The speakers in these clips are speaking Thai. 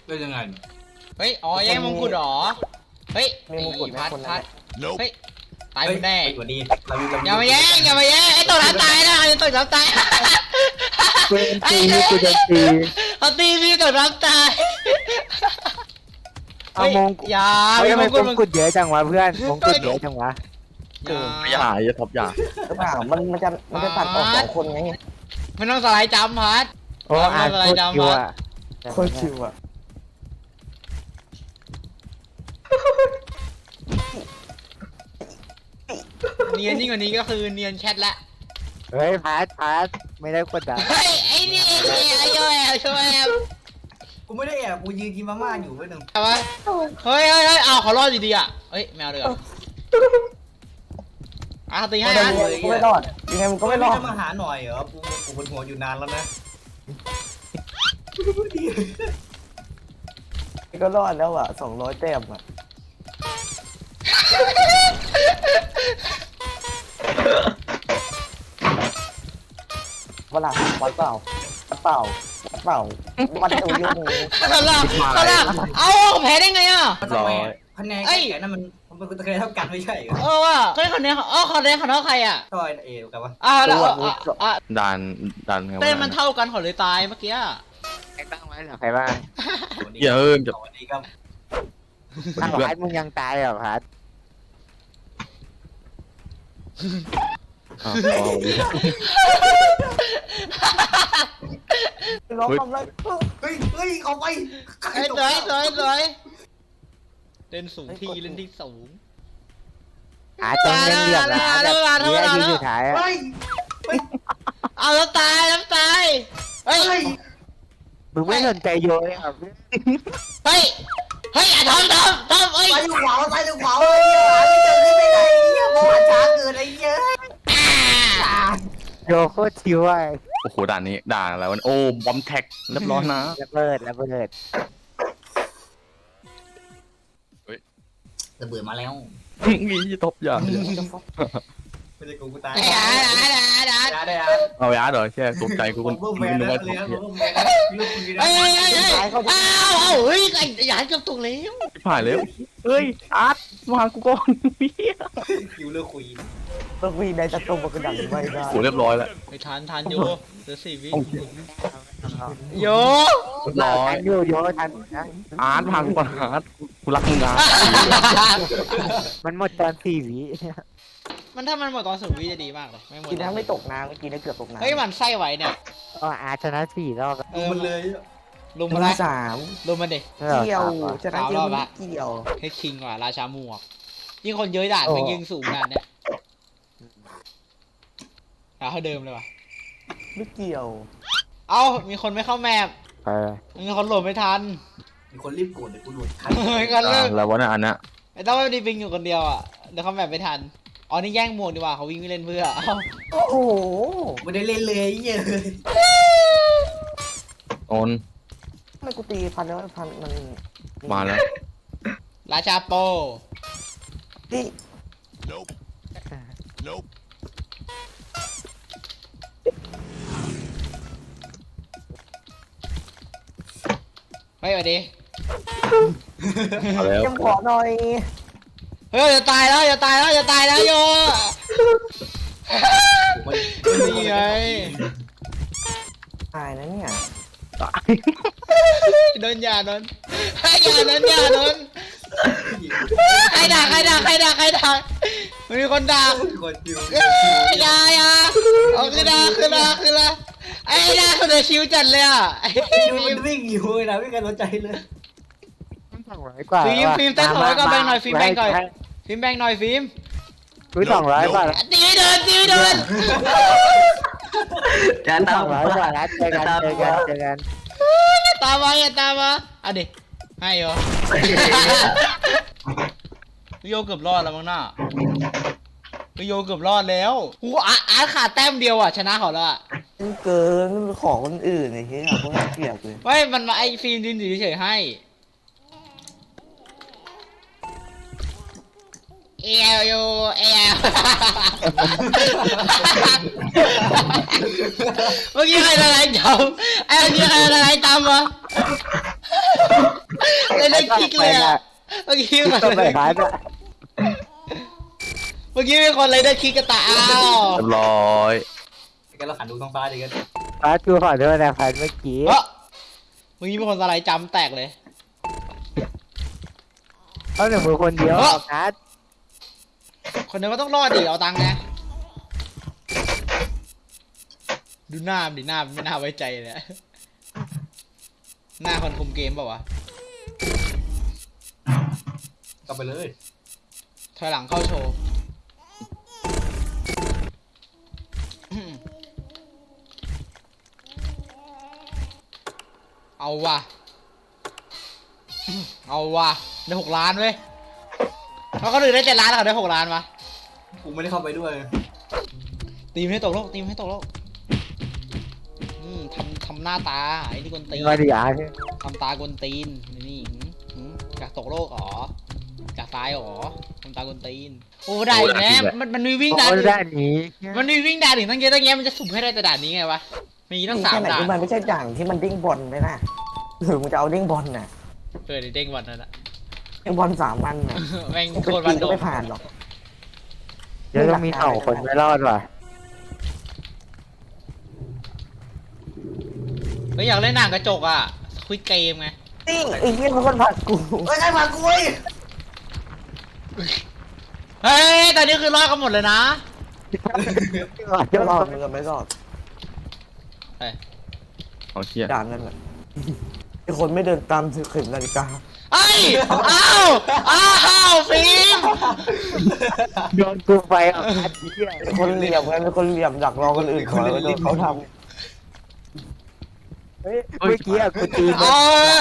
เป็นยังไงเฮ้ยอ๋อแย่งมงกุฎหรอเฮ้ยมีมงกุฎพัดคนพันั้ดนเฮ้ยตายหมดแน่สวัสดีเรามีอย่ามาแย่งอย่ามาแย่งไอ้ตัวน้ำตายนะไอ้ตัวน้ำตายกูโดนตีกูโดนตีเขาตีพี่ตัวน้ำตายเอามงอย่าเฮ้ยมีทำไมมงกุฎมงกุฎเยอะจังวะเพื่อนมงกุฎเยอะจังวะอย่าอย่าท็อปอย่าหรือเปล่ามันจะตัดออก2 คนไงไม่ต้องสไลด์จัมป์พัดโอ้อ่านโคตรชิวอ่ะโคตรชิวอ่ะเนียนยิ่งกว่านี้ก็คือเนียนแชทละเฮ้ยพาร์ทไม่ได้กดดันเฮ้ยไอ้นี่ไอ้โยแอบโยแอบกูไม่ได้แอบกูยืนกินมาม่าอยู่เพื่อนหนึ่งแต่ว่าเฮ้ยเอาเขารอดดีๆอ่ะเฮ้ยแมวเดือดตีให้นะกูไม่รอดยังไงมึงก็ไม่รอดจะมาหาหน่อยเหรอกูบนหัวอยู่นานแล้วนะก็รอดแล้วอ่ะ200 แต้มอ่ะเวลาวัดเปล่าวัดตัวยุ่งเขาละเอาแพ้ได้ไงอ่ะทำไมคะแนนแก่นั่นมันเป็นคะแนนเท่ากันไม่ใช่เหรอว่ะเฮ้ยคนนี้คนนี้เขาเท่าใครอ่ะต่อยเอวกันวะแล้วดันไงเต้นมันเท่ากันเขาเลยตายเมื่อกี้ใครบ้างไหมเหรอใครบ้างอย่าจะสวัสดีครับอ้าวพาร์ทมึงยังตายเหรอพาร์ทร้องทำไรเฮ้ยเอาไปสวยเล่นสูงที่เล่นที่สูงหาจังเล่นเหลี่ยมนะแบบนี้ทีสุดท้ายอ่ะเฮ้ยเอาแล้วตายเฮ้ยมึงไม่สนใจโยเลยครับเฮ้ยอย่าทำเฮ้ยไปอยู่ขวาไปอยู่ขวาเฮ้ยหาไม่เจอขึ้นไม่ได้เหี้ยเพราะว่าช้าเกินไอ้เหี้ยโยโคตรชิวอ่ะโอ้โหด่านนี้ด่านอะไรวะโอ้บอมแท็กเรียบร้อยนะระเบิดระเบิดมาแล้วงี้ท็อปอย่าไม่ได้กูตายด่าได้เอายาเดี๋ยวแค่ตกใจกูผมเพิ่มแมนนึกแล้วว่าเลี้ยงท็อปผมเพิ่มแมนลูกคุณเฮ้ยเฮ้ยไอ้หยาดกับตุกแล้วผ่านแล้วเฮ้ยอาร์ตมากูก่อนพี่คิวเลือกคุยต้องมีในตะตุ่มกระดังไม่ได้โหเรียบร้อยแล้วไปทานโยเหลือ4 วิโยเรียบร้อยโยทันนะอาร์ตพากูก่อนอาร์ตกูรักมึงอาร์ตมันหมดตอน4 วิมันถ้ามันหมดตอน0 วิจะดีมากเลยไม่หมดกินน้ำไม่ตกน้ำเมื่อกี้นะเกือบตกน้ำเฮ้ยมันไส้ไหวเนี่ยก็อาชนะ4 รอบมันเลยลุมมาได้ 3 ลุมมันดิเกี่ยวชนะเกี่ยวไม่เกี่ยวให้คิงว่ะราชาหมวกยิ่งคนเยอะด่านมันยิงสูงด่านเนี่ยเท่าเดิมเลยว่ะไม่เกี่ยวเอ้ามีคนไม่เข้าแมปมีคนโหลดไม่ทันมีคนรีบกดเดี๋ยวกูหลุดทันก็เลิกแล้ววะน่ะอันน่ะไอ้ต้องไม่ได้วิ่งอยู่คนเดียวอ่ะเดี๋ยวเขาแมปไม่ทันอ๋อนี่แย่งหมวกดีกว่าเขาวิ่งไม่เล่นเพื่อโอ้โหไม่ได้เล่นเลยเหี้ยโอนทำไมกูตีพันแล้วพันมันมาแล้วราชาโปนี่เฮ้ยสวัสดีมาแล้วยังขอหน่อยเฮ้ยจะตายแล้วโย นี่ไงตายนะเนี่ยโดนอย่าโดนให้อย่าโดนใครด่ามันมีคนด่าคนคิวอย่าเอาคือด่าไอ้ด่าคนเดียวชิวจัดเลยอ่ะมันวิ่งอยู่นะไม่กันสนใจเลย 200 กว่าฟิล์มเต้น200ก็แบ่งหน่อยฟิล์มแบ่งหน่อยฟิล์มกู200 กว่าตีไม่โดนอย่าตาม 200 กว่าแล้วเจอกันตามมาอ่ะดิให้เหรอโยเกือบรอดแล้วมั้งน่ะโยเกือบรอดแล้วกูอาร์ตขาดแต้มเดียวอ่ะชนะเขาแล้วอ่ะเกินของคนอื่นไอ้เหี้ยพวกน่าเกลียดเลยไม่มันมาไอ้ฟิล์มยืนอยู่เฉยๆให้เอลโยเอลเมื่อกี้ใครละลายจำไอ้เมื่อกี้ใครละลายจำวะได้คิกเลยอะเมื่อกี้ต้องไปหาเนี่ยเมื่อกี้มีคนเลยได้คิกกระตาอ้าวเรียบร้อยกันเราขันดูท้องฟ้าดิกันฟ้าจูขอโทษนะพันเมื่อกี้เฮ้ยเมื่อกี้มีคนสไลด์จำแตกเลยเอาหนึ่งมือคนเดียวนัดคนเดียวก็ต้องรอดดิเอาตังค์ไงดูหน้ามันดิหน้ามันไม่น่าไว้ใจเลยหน้าคนคุมเกมเปล่าวะกลับไปเลยถอยหลังเข้าโชว์เอาว่ะเอาว่ะได้6 ล้านเว้ยแล้วเขาอื่นได้7 ล้านแล้วเขาได้6 ล้านวะกูไม่ได้เข้าไปด้วยตีมให้ตกโลกตีมให้ตกโลกทำหน้าตาไอ้นี่กวนตีนมาดิอาร์ทำตากวนตีนนี่จากตกโลกอ๋อจากตายอ๋อทำตากวนตีนโอ้ได้อีกแล้วมันมีวิ่งด่านโอ้อื่นด้านนี้มันมีวิ่งด่านอื่นตั้งเยอะตั้งแยะมันจะสุ่มให้ได้แต่ด่านนี้ไงวะมีตั้งแค่ 3 ไหนด่านที่มันไม่ใช่ด่างที่มันดิ้งบอลไหมนะหรือมึงจะเอาดิ้งบอลน่ะเดี๋ยวเด้งวันนั่นแหละดิ้งบอล3 วันน่ะแม่งเป็นโคตรปีวันโดก็ไม่ผ่านหรอกเดี๋ยวต้องมีเห่าคนไม่รอดว่ะเฮ้ยอยากเล่นหนังกระจกอ่ะควิดเกมไงนี่ไอ้เหี้ยมันคนผ่านกูเฮ้ยใครมากูเว้ยเฮ้ยตอนนี้คือรอดกันหมดเลยนะจะรอดมึงก็ไม่รอดเฮ้ยเอาเชี่ยด่านนั่นแหละไอ้คนไม่เดินตามเข็มนาฬิกาเอ้ยอ้าวฟิล์มโดนกูไปอ่ะพัดเหี้ยไอ้คนเหลี่ยมกันเป็นคนเหลี่ยมดักรอคนอื่นก่อนแล้วโดนเขาทเฮ้ยเมื่อกี้อ่ะกูตีเอ้ย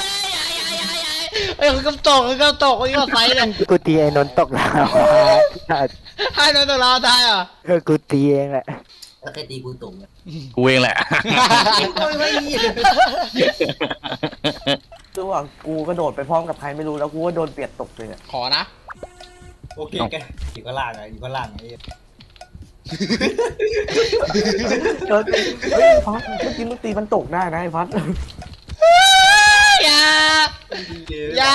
เฮ้ยคือกำตกคือกำตกคือกำไฟเลยกูตีไอ้นนท์ตกแล้วให้โดนตัวเราได้อ่ะกูตีเองแหละแล้วใครตีกูตุ่มเนี่ยกูเองแหละโอ้ยไม่มีำคือว่ากูกระโดดไปพร้อมกับใครไม่รู้แล้วกูก็โดนเปียดตกเลยอะขอนะโอเคแกอยู่ข้างล่างอะอยู่ข้างล่างไอ้โดนเฮ้ยพัดเมื่อกี้มึงตีมันตกได้นะไอ้พัดอย่า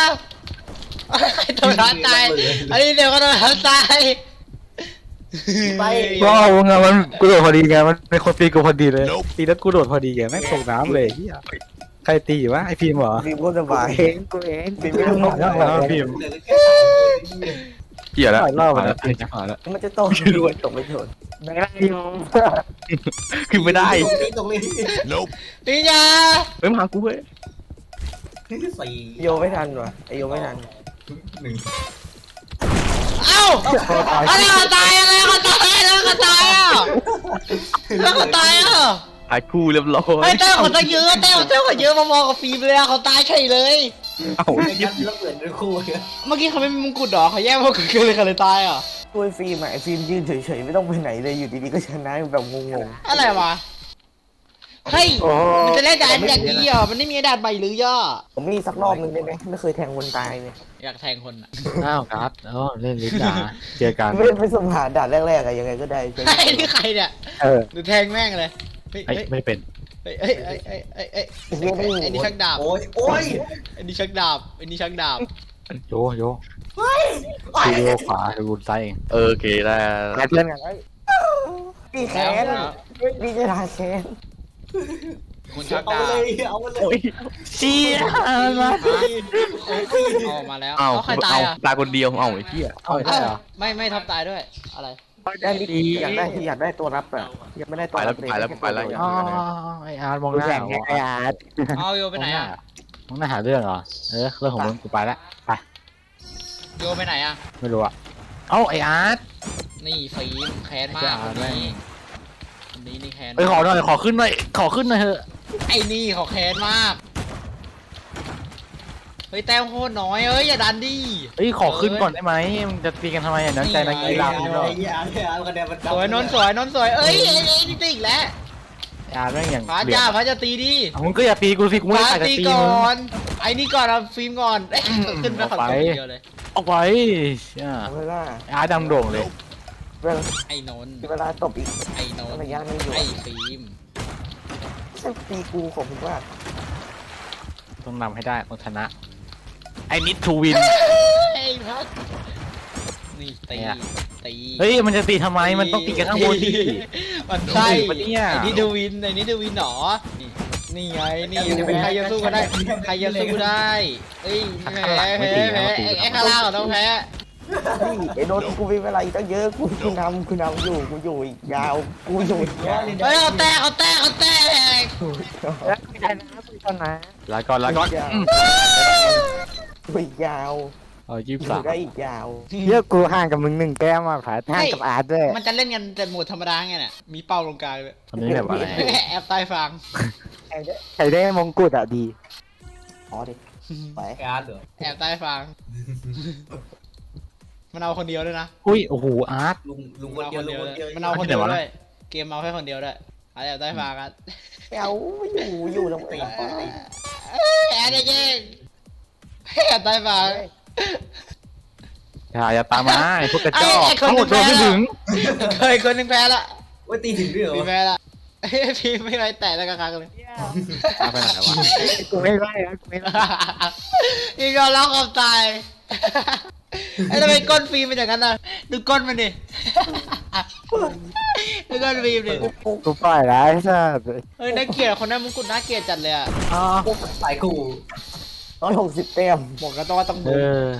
โดนร้านตายอันนี้เดี๋ยวก็โดนร้านตายไปว้าวงานมันกูโดดพอดีไงมันเป็นคนตีกูพอดีเลยตีแล้วกูโดดพอดีไงแม่งตกน้ำเลยเฮียใครตีวะไอพิมพ์เหรอดีมก็สบายกูเองดีไม่ต้องหมดแล้วแล้วพิมพ์เหลือแค่3 คนเชี่ยแล้วหลายรอบแล้วพิมพ์จะผ่านแล้วมันจะตกด้วยตกไม่โดนไม่ได้อยู่ขึ้นไม่ได้ตรงนี้นี่อย่าเฮ้ยมาหากูเว้ยสี่โยไม่ทันว่ะไอโยไม่ทันเอ้าอะไรก็ตายอะไรก็ตายอะไรก็ตายอ่ะแล้วก็ตายอ่ะหายคู่เรียบร้อยไอ้เต้าเขาตั้งเยอะเต้าเขาเยอะมองกับฟิล์มเลยอะเขาตายเฉยเลยเอ้าไม่งั้นแล้วเปลี่ยนเป็นคู่เลยเมื่อกี้เขาไม่มีมงกุฎหรอเขาแย่มงกุฎกันเลยเขาเลยตายอ่ะช่วยฟิล์มอะไอฟิล์มยืนเฉยๆไม่ต้องไปไหนเลยอยู่ดีๆก็ชนะแบบงงอะไรวะเฮ้ยมันจะเล่นด่านอย่างนี้เหรอมันไม่มีด่านใบหรือย่อๆผมมีสักรอบนึงได้ไหมไม่เคยแทงคนตายเลยอยากแทงคนอ่ะอ้าวครับเล่นลิ้นดาเจอกันไม่สมหาด่านแรกๆอะยังไงก็ได้ใช่ไหมไอ้นี่ใครเนี่ยเออหรือแทงแม่งเลยเฮ้ยไม่เป็นเฮ้ยไอ้นี่ชักดาบโอ้ยโอ้ยไอ้นี่ชักดาบไอ้นี่ชักดาบโยทีเดียวขวาคือบุญไซเองโอเคได้มาเพื่อนกันไอ้พี่แค้นพี่จะทาแค้นคนชักเอาดาบเลยเอาเลยเชี่ยมาออกมาแล้วเอ้าใครตายอ่ะตายคนเดียวเอ้าไอ้เชี่ยเอาได้เหรอไม่ทับตายด้วยอะไรได้นิดอยากได้ตัวรับอะยังไม่ได้ตัวรับเลยอ๋อไออาร์ตมองกูหน้าแข่งไงไอ้อาร์ตเอาโยไปไหนอ่ะมองหน้าหาเรื่องเหรอเรื่องของมึงกูไปละไปโยไปไหนอ่ะไม่รู้อะเอ้าไออาร์ตนี่ฟิล์มแค้นมากคนนี้คนนี้นี่แค้นไปขอหน่อยขอขึ้นหน่อยเถอะไอ้นี่เขาแค้นมากเฮ้ยแต้มโคตรน้อยเอ้ยอย่าดันดิเฮ้ยขอขึ้นก่อนได้ไหมมึงจะตีกันทำไมอ่ะน้ำใจนักกีฬาไอ้เหี้ยเอาคะแนนมันสวยนนท์สวยนนท์สวยเอ้ยนี่ตีอีกแล้วอาร์ตแม่งอย่างพาจ้าพาจะตีดิมึงก็อย่าตีกูสิกูไม่พาได้จะตีตีก่มึงอนไอ้นี่ก่อนเอาฟิล์มก่อนเอ้ยขึ้นไปขอตัวเดียวเลยออกไปอ่าเวลาอาร์ตดำโด่งเลยไอ้นนท์เวลาตบอีกไอ้นนท์ระยะไม่อยู่ไอ้ฟิล์มตีกูของผมว่าต้องนำให้ได้ต้องชนะ I need to win ไอ้พัดนี่ตีเนี่ยตีเฮ้ยมันจะตีทำไมมันต้องตีกันข้างบนดิมันใช่ปะเนี่ยไอ้นี่ดูวินไอ้นี่ดูวินหนอนี่ไงนี่ใครจะสู้กันได้ใครจะสู้ได้เอ้ยแพ้แพ้แพ้ไอ้ข้างล่างต้องแพ้ไอ้โดนกูมีเวลาอีกตั้งเยอะกูนำอยู่กูอยู่อีกยาวกูอยู่อีกยาวเฮ้ยเอาแตกเอาแตกเอาแตกไม่ได้นะไม่ได้นะลาก่อนลาก่อนกูอีกยาวเอาอยู่ 23 ได้อีกยาวเยอะกูห่างกับมึง1 แต้มอ่ะผ่านห่างกับอาร์ตด้วยมันจะเล่นกันแต่โหมดธรรมดาไงเนี่ยมีเป้าลงกลางเลยตอนนี้แบบอะไรแอบใต้ฟังใครได้มงกุฎอ่ะดีอ๋อดิไปการ์ดเหรอแอบใต้ฟังมันเอาคนเดียวด้วยนะอุ้ยโอ้โหอาร์ตลุงคนเดียวลุงคนเดียวมันเอาคนเดียวเอาที่ไหนวะด้วยเกมเอาแค่คนเดียวด้วยแอบใต้ฟังกันเอาอยู่ตรงไหนแอบเจ๊งแอบใต้ฟังอย่าตามมาไอ้พวกกระจอกไอ้คนทั้งหมดโดนไม่ถึงเคยคนหนึ่งแพ้ละว่าตีถึงด้วยเหรอพี่แพ้ละพี่ไม่ไรแตะแล้วกระคักเลยเอาไปไหนวะกูไม่ได้นะกูไม่ได้ยิงยอมรับความตายไอ้ทำไมก้นฟิล์มเป็นอย่างนั้นน่ะดูก้นมันดิดูก้นฟิล์มดิกูปล่อยแล้วไอ้สัสเฮ้ยน่าเกลียดคนนั้นมงกุฎน่าเกลียดจัดเลยอ่ะพวกสายขู่ 160 แต้มบอกกันต้องว่าต้องเอลุมอ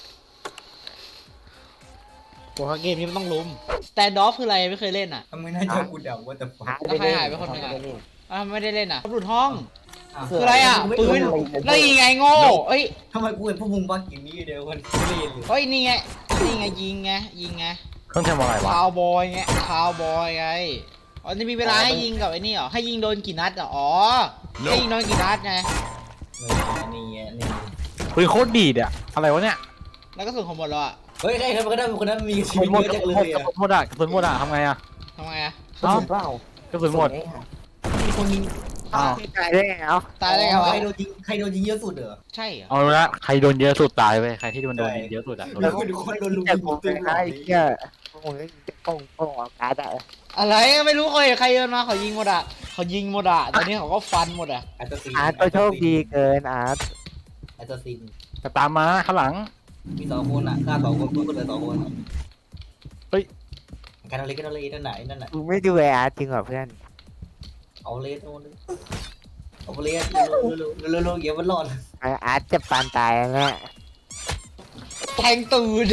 บอกว่าเกมนี้มันต้องลุมสแตนด์ออฟคืออะไรไม่เคยเล่นอ่ะทำไมน่าจะกูเดาว่าแต่ฟังแล้วใครหายไปคนหนึ่งอ่ะไม่ได้เล่นอ่ะหลุดห้องคืออะไรอ่ะปืนแล้วยิงไงโง่เอ้ยทำไมกูเห็นพวกมึงบ้ากินนี่เดียวกันไม่ได้ยินเลยเฮ้ยนี่ไงยิงไงเครื่องทำอะไรวะคาวบอยไงคาวบอยไงอ๋อนี่มีเวลาให้ยิงกับไอ้นี่เหรอให้ยิงโดนกี่นัดอ่ะอ๋อให้ยิงโดนกี่นัดไงนี่ปืนโคตรดีดอะอะไรวะเนี่ยแล้วก็ส่งของหมดแล้วอ่ะเฮ้ยใครทำก็ได้คนนั้นมีชีกวิระตสุนเยหมอะดจังเลยกระสุนหมดอะกระสุนหมดอะทำไงอะทำไมอ่ะกระสุนเปล่ากระสุนหมดมีคนยิงอ้าวตายได้ไงเอ้าตายได้ไงวะใครโดนยิงเยอะสุดเหรอใช่เหรอเอาละใครโดนเยอะสุดตายไปใครที่โดนเยอะสุดอะโดนแล้วก็ดูคนโดนลุมแต่กูไม่ได้ไอ้เหี้ยมึงจะโป้งออกการ์ดอ่ะอะไรไม่รู้ใครเดินมาเขายิงหมดอ่ะตอนนี้เขาก็ฟันหมดอ่ะอาร์ตซีนอาร์ตก็โชคดีเกินอาร์ตอาร์ตซีนจะตามมาข้างหลังมี2 คนอ่ะฆ่า2 คนก็เหลือ2 คนเฮ้ยการอะไรนั่นไหนนั่นน่ะกูไม่ดูไอ้อาร์ตจริงเหรอเพื่อนเอาเลสเอาเลสเร็วๆเดี๋ยวมันรอดไอ้อาร์ตจะปานตายแล้วเนี่ยแทงตูด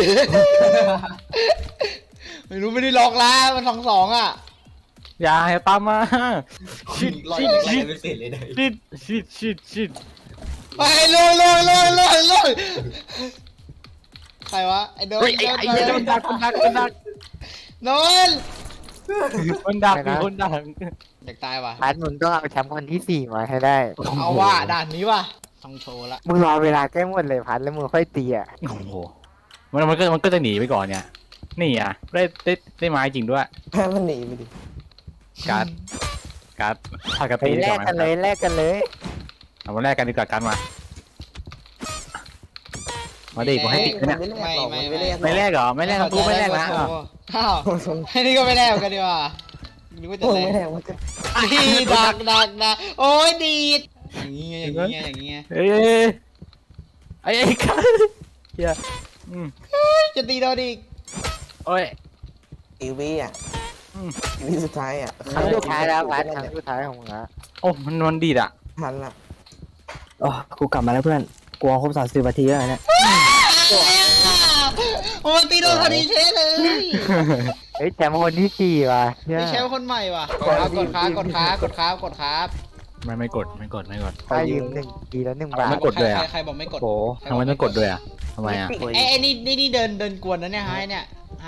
ไม่ได้ล็อกแล้วมัน2-2อ่ะอย่าตามมาชิดรอดชิดยังไงไม่เสร็จเลยได้ชิดไปเลยใครวะไอ้โดนเฮ้ยไอ้เหี้ยมันดักโดนคนดักมีคนดักอยากตายว่ะอาร์ตมึงต้องเอาแชมป์คนที่4มาให้ได้เอาว่ะด่านนี้ว่ะต้องโชว์ละมึงรอเวลาใกล้หมดเลยพัดแล้วมึงค่อยตีอ่ะโอ้โหมันก็จะหนีไปก่อนเนี่ยนี่อ่ะได้ไม้จริงด้วยแพ้มันหนีไปดิการ์ดถ้ากระไปตีแลกกันเลยเอามาแลกกันดีกว่ากันมาดิผมให้ติดเนี่ย ไม่แลกเหรอไม่แลกกูไม่แลกนะอ้าวไอ้นี่ก็ไม่แลกกันดีกว่านึกว่าจะโอ้แลไม่กแน่ว่าจะดีดักโอ้ยดีดอย่างงี้เอ้ยไอ้กันเฮียจะตีโดนอีกโอ้ยอีวีอ่ะอีวีสุดท้ายอ่ะครั้งสุดท้ายแล้วพัดครั้งสุดท้ายของมึงละโอ้มันดีดอ่ะทันละอ๋อกูกลับมาแล้วเพื่อนกลัวครบ30 นาทีแล้วเนี่ยโอ้ตีโดนพอดีเชเลยเฮ้ยแชมป์คนที่4ว่ะเชี่ยมีแชมป์คนใหม่ว่ะกดครับไม่กดถ้ายืม1 ทีแล้ว1 บาทไม่กดด้วยอ่ะใครบอกไม่กดโอ้ทำไมต้องกดด้วยอ่ะทำไมอ่ะไอ้นี่เดินกวนนะเนี่ยฮะไอ้เนี่ย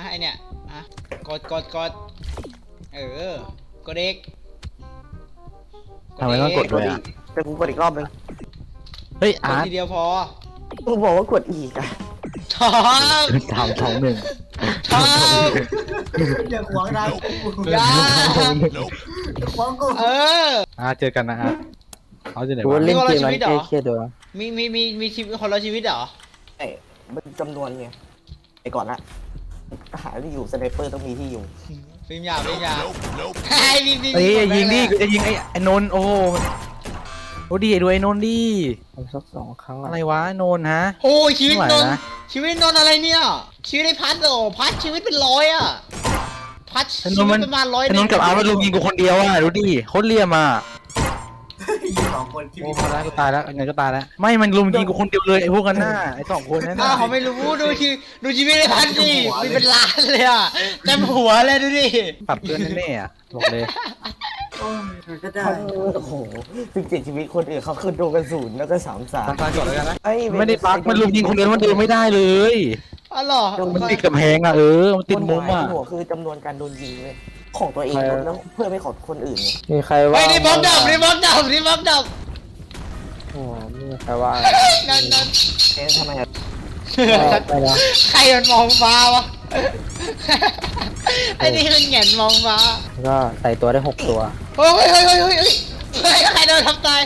กดกดเอกทำไมต้องกดด้วยอ่ะแต่กูกดอีกรอบนึงเฮ้ยกดอาร์ตทีเดียวพอกูบอกว่ากดอีกอ่ะชอบ 3-2-1 ชอบอย่าขวางทางกูยาขวางกูเจอกันนะฮะเขาจะไหนกูวะเล่นเกมมันเครียดๆด้วยมีชีวิตคนละชีวิตเหรอไอ้มันจำนวนไงไอ้ก่อนละหาที่อยู่สไนเปอร์ต้องมีที่อยู่ฟิล์มยาไอ้ฟิล์มเฮ้ยยิงดิกูจะยิงไอ้นนท์โอ้โอ้ดีดูไอ้นนท์ดิทำสัก2 ครั้งอะไรวะไอ้นนท์ฮะโอ้ยชีวิตไม่นไหวนท์นะชีวิตนนท์อะไรเนี่ยชีวิตไอ้พัดเหรอพัดชีวิตเป็นร้อยอ่ะพัดไอ้นชีนท์วิมัตนประมาณร้อยไอ้นนท์กับอาร์ตมันลุมยิงกูคนเดียวอ่ะดูดิโคตรเลี่ยมอ่ะยิง2 คนที่โอ้มีพอแล้วกูตายแล้วไงก็ตายแล้วไม่มันลุมยิงกูคนเดียวเลยไอ้พวกกันหน้าไอ้2 คนนั่นอ้าน่ะวเขาไม่รู้ดูชีวิตไอ้พัดดิมีเป็นล้านเลยอ่ะเต็มหัวเลยดูดิปรับเพื่อนแน่ๆอ่ะบอกเลยโอ้ยมันก็ได้โอ้โห17 ชีวิตคนอื่นเขาคือโดนกระสุนแล้วก็3-3 ตายก่อนแล้วกันนะเอ้ยไม่ได้ปักมันลุมยิงคนเดียวมันเดินไม่ได้เลยอ๋อเหรอมันติดกำแพงอ่ะมันติดมุมอ่ะหัวคือจำนวนการโดนยิงเลยของตัวเองแล้วเพื่อไม่ของคนอื่นไงมีใครว่าไอ้นี่บล็อกดับนี่บล็อกดับนี่บล็อกดับโอ้มีใครว่านั่นเอ๊ะทำไมอะไปแล้วใครมันมองฟ้าวะไอ้นี่มันแหงนมองฟ้าก็ใส่ตัวได้6 ตัวเฮ้ยใครโดนทำตาย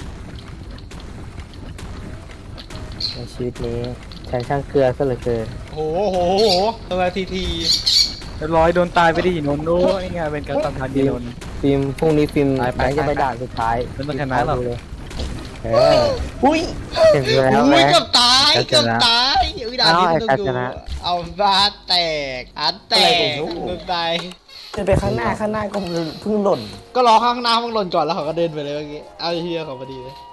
ในชีวิตนี้ใช้ช่างเกลือซะเหลือเกินโอ้โหตัวทีเรียบร้อยโดนตายไปดินนท์โอ้ยไงเป็นการตัดทันดีนนท์ฟิล์มพรุ่งนี้ฟิล์มไปแบงค์จะไปด่านสุดท้ายไม่ต้องชนะหรอกเลยเอออุ้ยเห็นแล้วอุ้แบยงค์เกือบตายเกือบตายอุ้ยด่านนี้เอาไอ้ต้องกัจดูจนะเอาบาแตกอันแตกโดนตายเดินไปข้างหน้าก็เพิ่งหล่นก็รอข้างหน้ามึงหล่นก่อนแล้วเขาก็เดินไปเลยเมื่อกี้เอาเฮียเขาพอดีเลย